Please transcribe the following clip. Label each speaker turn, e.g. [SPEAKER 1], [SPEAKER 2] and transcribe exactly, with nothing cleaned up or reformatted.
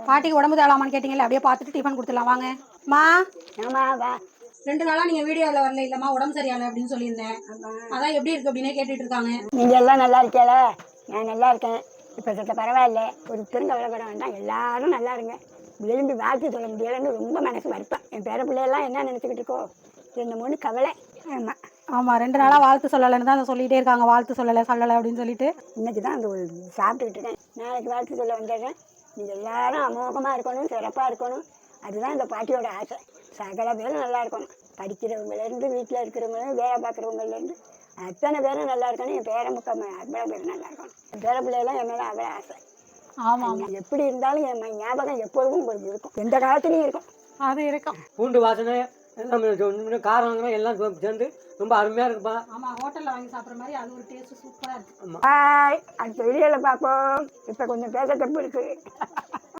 [SPEAKER 1] பாட்டிக்கு உடம்பு தேவலாமான்னு கேட்டீங்கல்ல, அப்படியே பார்த்துட்டு டிஃபன் கொடுத்துடலாம் வாங்க. மா
[SPEAKER 2] ஆமா வா.
[SPEAKER 1] ரெண்டு நாளா நீங்க வீடியோவில் வரல இல்லம்மா, உடம்பு சரியால அப்படின்னு சொல்லியிருந்தேன். அதான் எப்படி இருக்கு அப்படின்னே கேட்டுட்டு இருக்காங்க.
[SPEAKER 2] நீங்க எல்லாம் நல்லா இருக்கீங்களா? நான் நல்லா இருக்கேன். இப்போ சத்த பரவாயில்ல. ஒரு பெருங்கவலைப்பட வேண்டாம், எல்லாரும் நல்லா இருங்க. விரும்பி வாழ்த்து சொல்ல முடியலைன்னு ரொம்ப மனசு வருப்பேன். என் பேர பிள்ளையெல்லாம் என்ன நினச்சிக்கிட்டு இருக்கோ ரெண்டு மூணு கவலை. ஆமாம்
[SPEAKER 1] ஆமாம், ரெண்டு நாளாக வாழ்த்து சொல்லலைன்னு தான் சொல்லிகிட்டே இருக்காங்க. வாழ்த்து சொல்லலை சொல்லலை அப்படின்னு சொல்லிட்டு
[SPEAKER 2] இன்னைக்கு தான் அந்த ஒரு சாப்பிட்டுக்கிட்டு இருக்கேன். நாளைக்கு வாழ்த்து சொல்ல வந்துடுறேன். நீங்கள் எல்லாரும் அமோகமாக இருக்கணும், சிறப்பாக இருக்கணும். அதுதான் இந்த பாட்டியோட ஆசை. சகல பேரும் நல்லா இருக்கணும். படிக்கிறவங்கலேருந்து, வீட்டில் இருக்கிறவங்க, வேலை பார்க்குறவங்கலேருந்து அத்தனை பேரும் நல்லா இருக்கணும். என் பேர முக்கம் அவ்வளோ பேரும் நல்லா இருக்கணும். என் பேர பிள்ளையெல்லாம் என் மேலே அவ்வளோ ஆசை.
[SPEAKER 1] ஆமாம்,
[SPEAKER 2] எப்படி இருந்தாலும் என் ஞாபகம் எப்பொழுதும் உங்களுக்கு இருக்கும், எந்த காலத்துலையும் இருக்கும்.
[SPEAKER 1] அது இருக்கும்.
[SPEAKER 3] பூண்டு வாசனை எல்லாம் காரம் எல்லாம் சேர்ந்து ரொம்ப அருமையாக இருக்குப்பா.
[SPEAKER 1] ஆமாம், ஹோட்டலில் வாங்கி சாப்பிட்ற மாதிரி அது ஒரு டேஸ்ட்டு சூப்பராக இருக்குது.
[SPEAKER 2] பாய், அடுத்த வீடியோவில் பார்ப்போம். இப்போ கொஞ்சம் பேச தப்பு இருக்குது.